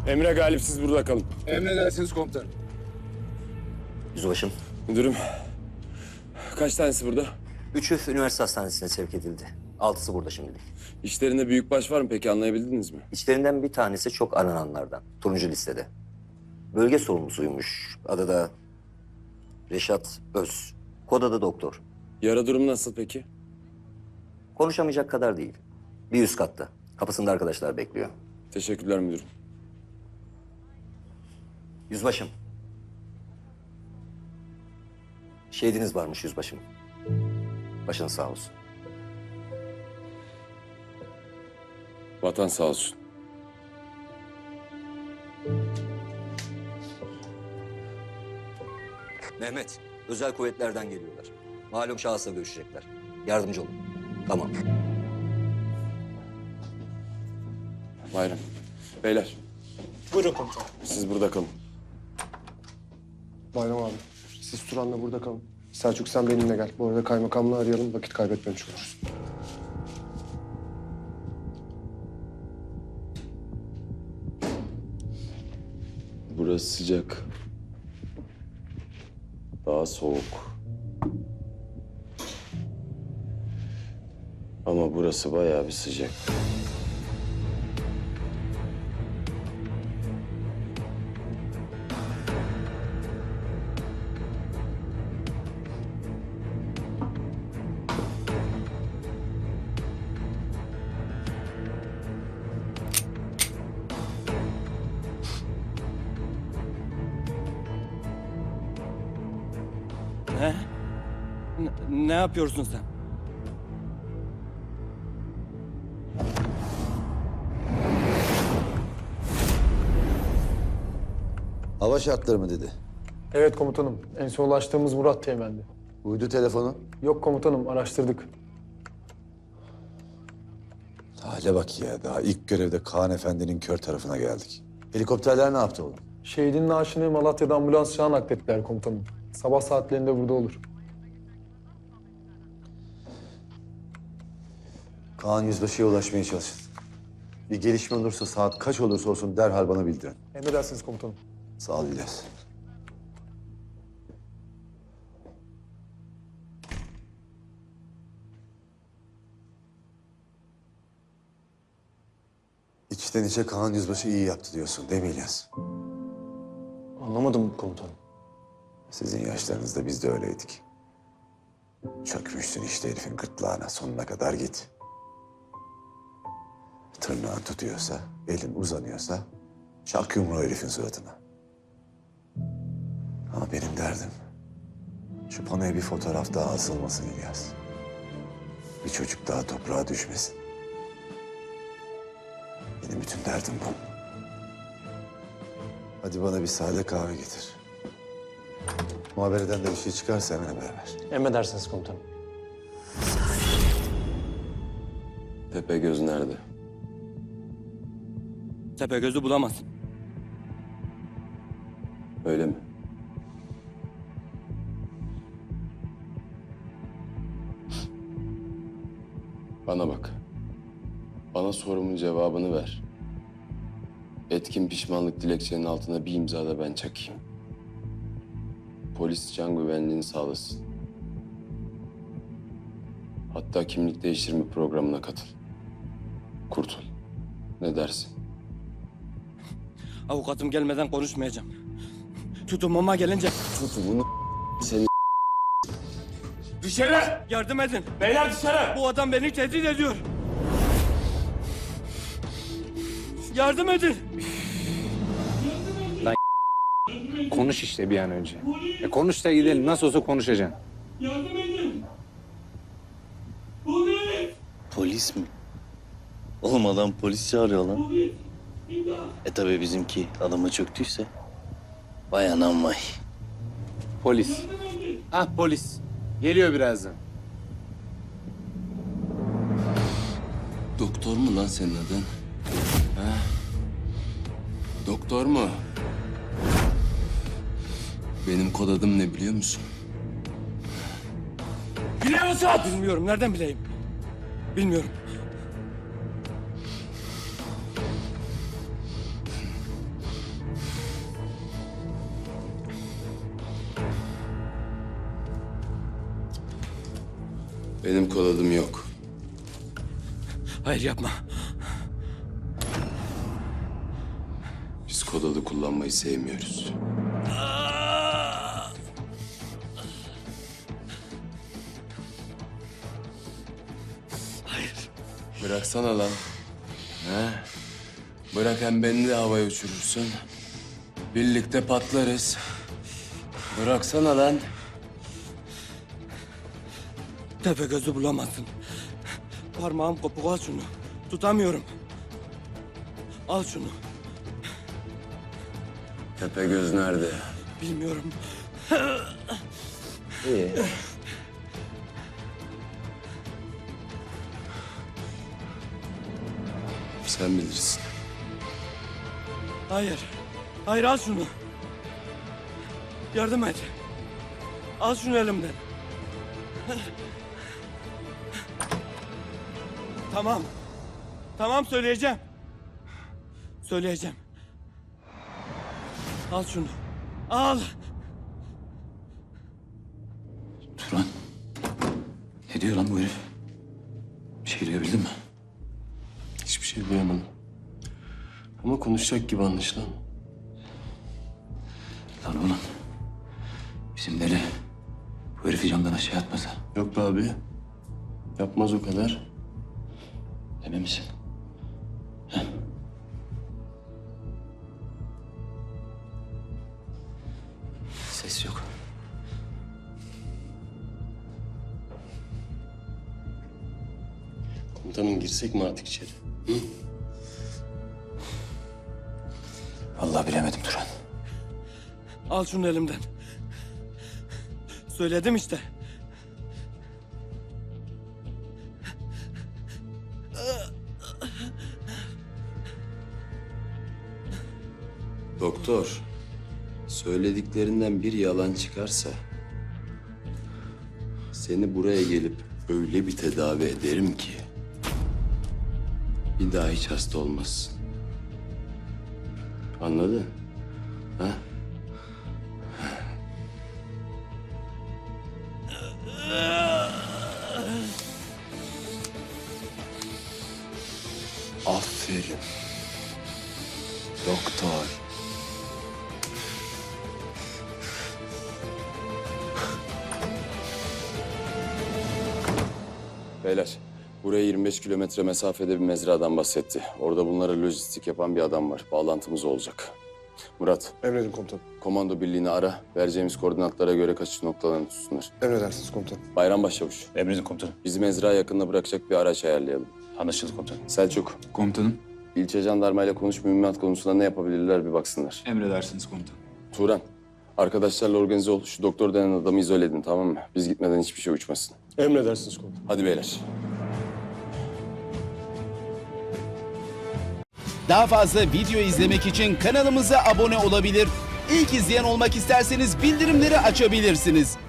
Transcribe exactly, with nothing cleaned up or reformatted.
Emre Galip, siz burada kalın. Emredersiniz komutanım. Yüzbaşım. Müdürüm, kaç tanesi burada? Üçü üniversite hastanesine sevk edildi. Altısı burada şimdilik. İşlerinde büyükbaş var mı peki, anlayabildiniz mi? İçlerinden bir tanesi çok arananlardan. Turuncu listede. Bölge sorumlusuymuş. Adı da Reşat Öz. Kod adı doktor. Yara durum nasıl peki? Konuşamayacak kadar değil. Bir üst katta. Kapısında arkadaşlar bekliyor. Teşekkürler müdürüm. Yüzbaşım. Şehidiniz varmış yüzbaşım. Başınız sağ olsun. Vatan sağ olsun. Mehmet, özel kuvvetlerden geliyorlar. Malum şahısla görüşecekler. Yardımcı olun. Tamam. Bayram. Beyler, Buyurun komutanım. siz burada kalın. Bayram abi, siz Turan'la burada kalın. Selçuk sen benimle gel. Bu arada kaymakamlığı arayalım, vakit kaybetmemiş oluruz. Burası sıcak. Daha soğuk. Ama burası bayağı bir sıcak. Ne? Ne, ne yapıyorsun sen? Hava şartları mı dedi? Evet komutanım, en son ulaştığımız Murat Teğmen'di. Uydu telefonu. Yok komutanım, araştırdık. Hale bak ya, daha ilk görevde Kaan Efendi'nin kör tarafına geldik. Helikopterler ne yaptı oğlum? Şehidin naaşını Malatya'da ambulans çağı naklettiler komutanım. Sabah saatlerinde burada olur. Kaan Yüzbaşı'ya ulaşmaya çalışın. Bir gelişme olursa saat kaç olursa olsun derhal bana bildirin. Emredersiniz komutanım. Sağ ol İlyas. İçten içe Kaan Yüzbaşı iyi yaptı diyorsun değil mi İlyas? Anlamadım komutanım. Sizin yaşlarınızda biz de öyleydik. Çökmüşsün işte herifin gırtlağına, sonuna kadar git. Tırnağın tutuyorsa, elin uzanıyorsa çak yumruğu herifin suratına. Ama benim derdim şu panoya bir fotoğraf daha asılmasın İlyas. Bir çocuk daha toprağa düşmesin. Benim bütün derdim bu. Hadi bana bir sade kahve getir. Muhabereden de bir şey çıkarsa hemen haber ver. Emredersiniz komutanım. Tepegöz nerede? Tepegöz'ü bulamazsın. Öyle mi? Bana bak. Bana sorumun cevabını ver. Etkin pişmanlık dilekçenin altına bir imza da ben çakayım. Polis can güvenliğini sağlasın. Hatta kimlik değiştirme programına katıl. Kurtul. Ne dersin? Avukatım gelmeden konuşmayacağım. Tutumuma gelince Tutumunu seni... dışarı! Yardım edin. Beyler dışarı! Bu adam beni tehdit ediyor. Yardım edin. Konuş işte bir an önce. E konuş da gidelim. Nasıl olsa konuşacaksın. Yardım edin. Polis! Polis mi? Oğlum adam polis çağırıyor lan. Polis! İmdat! E tabi bizimki adama çöktüyse. Vay anam vay. Polis. Ah polis. Geliyor birazdan. Doktor mu lan senin adın? Ha? Doktor mu? Benim kod adım ne biliyor musun? Biliyor musun? Bilmiyorum. Nereden bileyim? Bilmiyorum. Benim kod adım yok. Hayır yapma. Biz kod adı kullanmayı sevmiyoruz. Hayır. Bıraksana lan. He? Bırak, hem beni de havaya uçurursun. Birlikte patlarız. Bıraksana lan. Tepe gözü bulamazsın. Parmağım kopuk, al şunu. Tutamıyorum. Al şunu. Tepegöz nerede? Bilmiyorum. İyi. Sen bilirsin. Hayır. Hayır, al şunu. Yardım et. Al şunu elimden. Tamam. Tamam, söyleyeceğim. Söyleyeceğim. Al şunu. Al. Turan. Ne diyor lan bu herif? Bir şey duyabildin mi? Hiçbir şey duyamadım. Ama konuşacak gibi anlaşılan. Lan oğlum. Bizim deli bu herifi camdan aşağı atmasa. Yok be abi. Yapmaz o kadar. Emin misin? Ses yok. Komutanım, girsek mi artık içeri? Hı? Vallahi bilemedim Turan. Al şunu elimden. Söyledim işte. Doktor, söylediklerinden bir yalan çıkarsa seni buraya gelip öyle bir tedavi ederim ki bir daha hiç hasta olmazsın. Anladın? Ha? Aferin. Doktor. Beyler, buraya yirmi beş kilometre mesafede bir mezradan bahsetti. Orada bunlara lojistik yapan bir adam var. Bağlantımız olacak. Murat, Emredin komutanım. komando birliğini ara. Vereceğimiz koordinatlara göre kaçış noktalarını tutsunlar. Emredersiniz komutanım. Bayram Başçavuş, Emredin komutanım. bizi mezra yakınına bırakacak bir araç ayarlayalım. Anlaşıldı komutanım. Selçuk, Komutanım, ilçe jandarmayla konuş, mühimmat konusunda ne yapabilirler bir baksınlar. emredersiniz komutanım. Turan, arkadaşlarla organize ol. Şu doktor denen adamı izole edin, tamam mı? Biz gitmeden hiçbir şey uçmasın. Emredersiniz komutanım. Hadi beyler. Daha fazla video izlemek için kanalımıza abone olabilir. İlk izleyen olmak isterseniz bildirimleri açabilirsiniz.